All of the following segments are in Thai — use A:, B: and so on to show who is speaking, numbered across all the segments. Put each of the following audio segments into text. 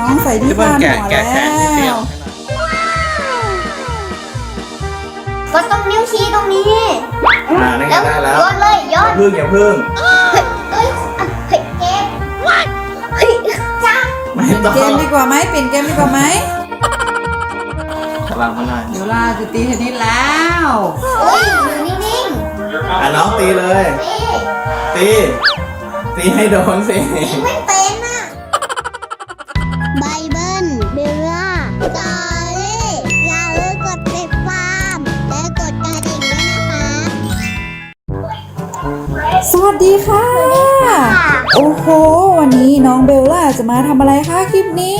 A: องใส่ที่คาดหัวแล้ว
B: ก็ต้องนิ้วชี้ตรงนี้
C: นี่ได้แล้ว
B: โยนเลยโยน
C: อย่าพึ่ง
B: เฮ้ยเกมเฮ้ยจ้า
C: ไม่
A: เปลี่ยน
C: ต้อง
A: เกมดีกว่าไหมเปลี่ยนเกมดีกว่าไหม
C: กำลังมาหน่อย
A: เบลล่าจะตีเทนนิสแล้ว
B: เฮ้ยอยู่นิ่ง
C: น้องตีเลย
B: ๆ
C: ตีให้โดนสิ
B: ไม่เป็นอ่ะไบเบิลเบลล่าจอรี่อย่าลืมกดติดตามและกดกระดิ่งด้วยนะคะ
A: สวัสดีค่ะ โอ้โหวันนี้น้องเบลล่าจะมาทำอะไรคะคลิปนี้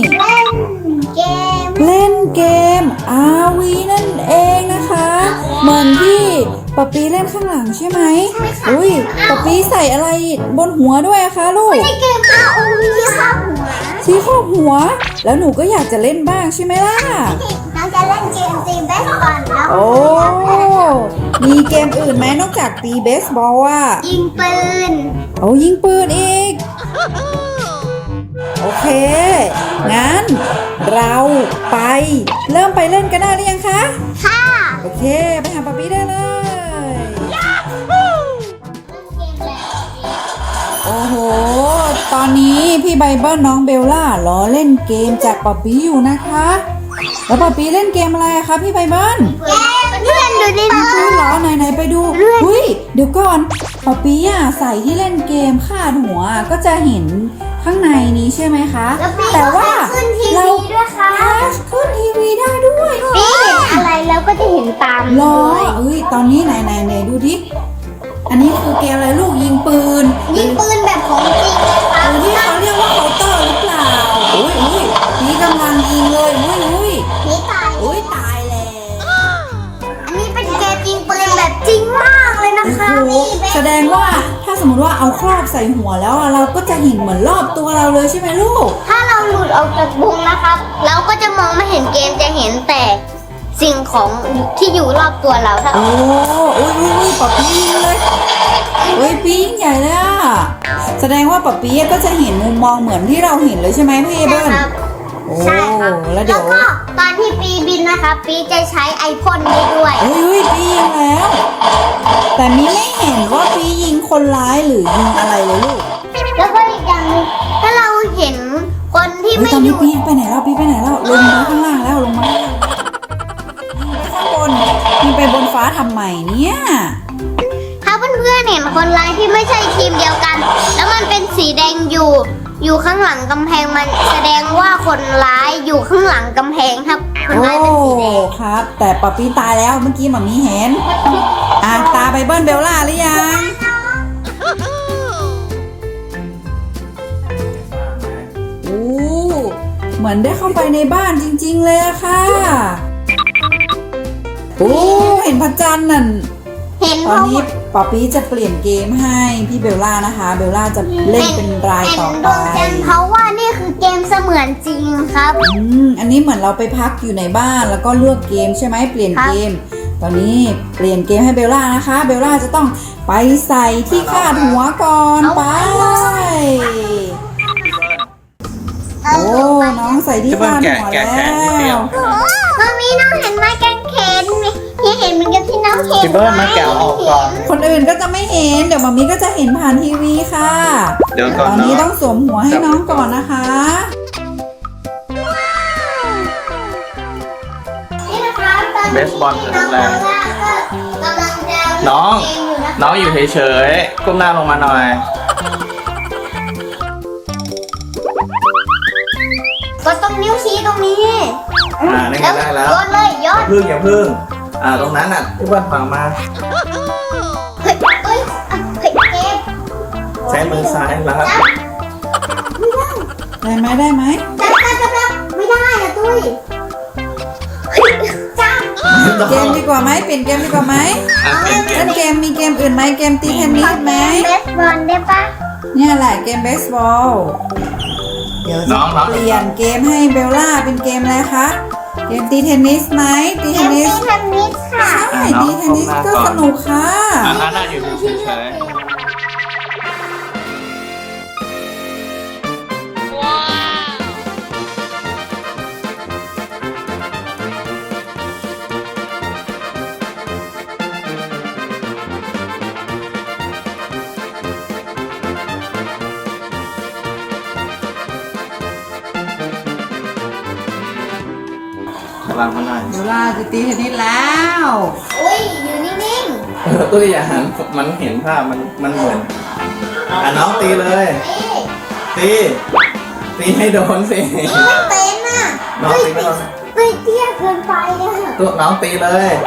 B: เล่นเกม
A: RV นั่นเองนะคะเหมือนที่ป๊าปีเล่นข้างหลังใช่ไหมอุ้ยป๊าปีใส่อะไรบนหัวด้วยอะคะลูก
B: ในเกม ROV ที่ข้างหัว
A: ที่ครอบหัว แล้วหนูก็อยากจะเล่นบ้างใช่ไหมล่ะ
B: เราจะเล่นเกมตีเบสก่อนแล้ว
A: โอ้มีเกมอื่นไหมนอกจากตีเบสบอลอ่ะ
B: ยิงปืน
A: เอายิงปืนอีก โอเค งั้น เราไปเริ่มไปเล่นกันได้หรือยังคะ
B: ค่ะ
A: โอเค ไปหาป๊าปี้ได้เลย โอ้โห ตอนนี้พี่ไบเบิลน้องเบลล่ารอเล่นเกมจากป๊าปี้อยู่นะคะ แล้วป๊าปี้เล่นเกมอะไรอะคะพี่ไบเบิล
B: เพื่อนดูดิ
A: ปืนเหรอไหนไปดูอุ้ยเดี๋ยวก่อนป๊าปี้อะใส่ที่เล่นเกมคาดหัวก็จะเห็นข้างในนี้ใช่ไหมคะ แต่ว่า
B: ขึ้นที
A: เรา
B: วีด้วยค่ะ
A: ขึ้นทีวีได้ด้วย
B: พี่เห็นอะไรแล้วก็จะเห็นตาม
A: เหรอเอ้ยตอนนี้ไหนดูดิอันนี้คือเกมอะไรลูกยิงปืน
B: ยิงปืนแบบของจริงเลยค่ะ
A: หรือที่เขาเรียกว่าเคาน์เตอร์หรือเปล่าอุ้ยนี่กำลังยิงเลยอุ้ย
B: นี่ตาย
A: อุ้ยตายแล้ว
B: อันนี้เป็นเกมยิงปืนแบบจริงมากเลยนะ
A: โอ้
B: คะ
A: โห
B: พี่
A: แสดงว่าถ้าสมมติว่าเอาครอบใส่หัวแล้วอะเราก็จะเห็นเหมือนรอบตัวเราเลยใช่ไหมลูก
B: ถ้าเราหลุดออกจากวงนะครับ เราก็จะมองไม่เห็นเกมจะเห็นแต่สิ่งของที่อยู่รอบตัวเราถ้า
A: โอ้อุ้ยป๊าปี้ยิงเลยอุ้ยปียิงใหญ่เลยอะแสดงว่าป๊าปี้ก็จะเห็นมุมมองเหมือนที่เราเห็นเลยใช่ไหมพี่เบิ้ล
B: ครับ
A: โอ้
B: ใช่ครับ
A: แล้วเดี๋ยว
B: ก็ตอนที่ปีบินนะคะปีจะใช้ไอพ่นได้ด้วย
A: อุ้ยปียิงแล้ว แต่มีไม่เห็นว่าปียิงคนร้ายหรือยิงอะไรเลยลูก
B: แล้วก็อีกอย่างหนึงถ้าเราเห็นคนที่
A: เฮ้ย
B: ไม่
A: ตอน
B: อ
A: นี้
B: ยู่
A: ปีไปไหนแล้วปีไปไหนแล้วลงมาข้างล่างแล้วลงมาข้างบนมีไปบนฟ้าทำไมเนี่ย
B: ถ้าเพื่อนๆเห็นคนร้ายที่ไม่ใช่ทีมเดียวกัน แล้วมันเป็นสีแดงอยู่ข้างหลังกำแพงมันแสดงว่าคนร้ายอยู่ข้างหลังกำแพงครับคน
A: โอ้
B: ร้ายเป็นสีแดง
A: ครับ แต่ป๊าปีตายแล้วเมื่อกี้หมามีเห็นอ่ะตาไบเบิลเบลล่าหรือยังโอ้เหมือนได้เข้าไปในบ้านจริงๆเลยอะค่ะโอ้เห็นพระจันทร์นั่น
B: เห็น
A: ต
B: เพ
A: อน
B: ราะ
A: นี้ป๊าปี้จะเปลี่ยนเกมให้พี่เบลล่านะคะเบลล่าจะเล่นเป็นราย
B: เห็น
A: ต่อ
B: ด
A: ไป
B: วงจันทร์เพราะว่านี่คือเกมเสมือนจริงครับ
A: อันนี้เหมือนเราไปพักอยู่ในบ้านแล้วก็เลือกเกมใช่ไหมเปลี่ยนเกม ตอนนี้เปลี่ยนเกมให้เบลล่านะคะเบลล่าจะต้องไปใส่ที่คาดหัวก่อนไปโอ้น้องใส่ที่คาดหัวแล้ว
B: มามีน้องเห็นไม้กางเขนไหมยังเห็นเหมือนกับที่น้องเห็น
C: พี่เบิ้ลมาแกะออกก่อน
A: คนอื่นก็จะไม่เห็นเดี๋ยวมามีก็จะเห็นผ่านทีวีค่ะ
C: เดี๋ยวก่อน
A: ตอนนี้ต้องสวมหัวให้น้องก่อนนะคะ
B: นี่นะคะตอน
C: เบ
B: นี้
C: สบอล
B: น้อง
C: แรง
B: ก็กำลังจะ
C: น้อง
B: เล่นเกมอยู่นะคะ
C: น้องอยู่เฉยๆก้มหน้าลงมาหน่อย
B: ก็ต้องนิ้วชี้ตรงนี้
C: นี่ได้แล้ว
B: โยนเลยโยน
C: อย่าพึ่งตรงนั้นน่ะพี่เบิ้ลฟังมา
B: เฮ้ยเฮ้ยเฮ้ยเกม
C: ใช้มือซ้ายแล้ว
B: จับไม่ได้
A: ได้ไหม
B: จับไม่ได้นะตุ้ยเฮ้ยจับ
A: เกมดีกว่าไหมเปลี่ยนเกมดีกว่าไหม
C: เปลี่ยนเก
A: เล่
C: ม
A: นเกมมีเกมอื่นไหมเกมตีเทนนิสไหม
B: เบสบอลได้ปะ
A: เนี่ยแหละเกมเบสบอล เดี๋ยวจะเปลี่ยนเกมให้เบลล่าเป็นเกมอะไรคะ เกมตีเทนนิสไหมตีเทนนิส
B: เทนนิสค่ะ
A: ใช่ตีเทนนิสก็สนุกค่ะ
C: น่าอยู่เฉยวางมันหน่อย
A: เบลล่าจะตีเทนนิสแล้ว
B: อุ้ยอยู่นิ่ง
C: ตัวอย่างมันเห็นภาพมันเหมือนน้องตีเลย
B: ๆ
C: ตีให้โดนสิ
B: ไม่เป็นอ่ะ
C: น้องตีไม่โดน
B: เฮ้ยเตี้ยเกินไปอ่ะ
C: ตัวน้องตีเลย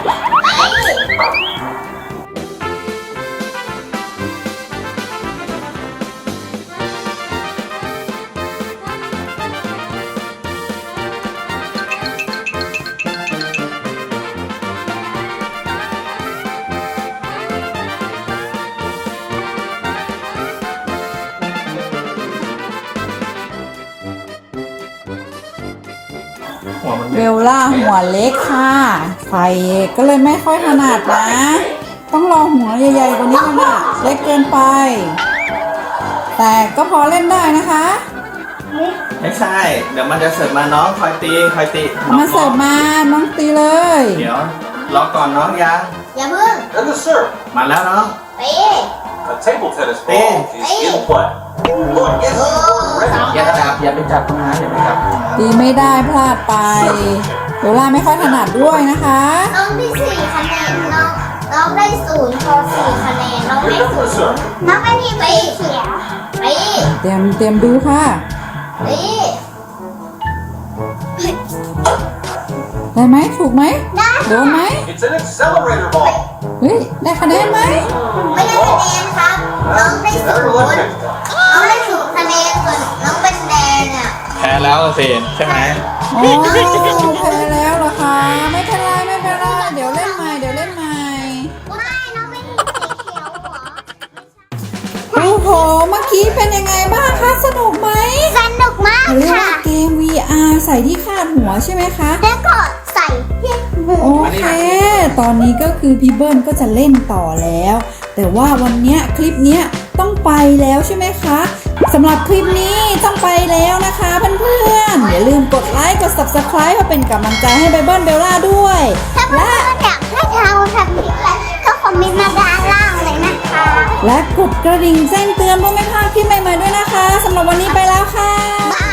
C: หัวมัน
A: เบลล่าหัวเล็กค่ะไฟก็เลยไม่ค่อยถนัดนะ ต้องรอหัวใหญ่ๆกว่านี้มันอะเล็กเกินไป แต่ก็พอเล่นได้นะคะ
C: ไม่ใช่ เดี๋ยวมันจะเสิร์ฟมาน้องคอยตีน้อง
A: มาเสิร์ฟมาน้องตีเลย
C: เดี๋ยวรอก่อนน้องยัง
B: อย่าเพิ่ง
D: And the serve.
C: มาแล้วน้อง
B: ตี
D: A table tennis ball is in play. Look, get the board ready.
C: อย่าไปจับตรงนั้นอย่าไปจับ
A: ตีไม่ได้พลาดไปเบลล่าไม่ค่อยถนัดด้วยนะคะ
B: น้องได้4 คะแนนน้องได้0พอ4 คะแนนน้องได้
D: Remember the serve.
B: น้องเป็นทีมสีเขียวตี
A: เตรียมดูค่ะ
B: ตี
A: ได้ไหมถูกไหม
B: ได้
A: โดนไหม
D: It's an accelerator ball.
A: เฮ้ยได้คะแนนไหม
B: ไม่ได้คะแนนครับ น้องได้
D: Better luck
B: 0
D: next time.
B: น้องได้0 คะแนนส่วนน้องเป็นแดงอ่ะ
C: แพ้แล้วสิใช่ไหม
A: โอ้แพ้แล้วเหรอคะไม่เป็นไรไม่เป็นไรเดี๋ยวเล่นใหม่ไม่
B: น้องเป็นทีมสีเขียวเหรอ
A: โอ้โหเมื่อกี้เป็นยังไงบ้างคะสนุกไหม
B: สนุกมาก
A: เรียก
B: ค่ะ
A: ว่าเกม VR ใส่ที่คาดหัวใช่ไหมคะ
B: แล้วก็ใส่ที่หู
A: โอเค ตอนนี้ก็คือพี่เบิ้ลก็จะเล่นต่อแล้ว แต่ว่าวันเนี้ยคลิปเนี้ยต้องไปแล้วใช่ไหมคะสำหรับคลิปนี้ต้องไปแล้วนะคะเพื่อนๆอย่าลืมกดไลค์กด subscribe เพื่อเป็นกำลังใจให้ไบเบิ้ลเบลล่าด้วย
B: ถ้าเพื่อนๆอยากให้เราทำคลิปอะไรก็คอมเมนต์มาด้านล่างเลยนะคะ
A: และกดกระดิ่งแจ้งเตือนเพื่อไม่พลาดคลิปใหม่ๆด้วยนะคะสำหรับวันนี้ไปแล้วค่ะ
B: บ๊าย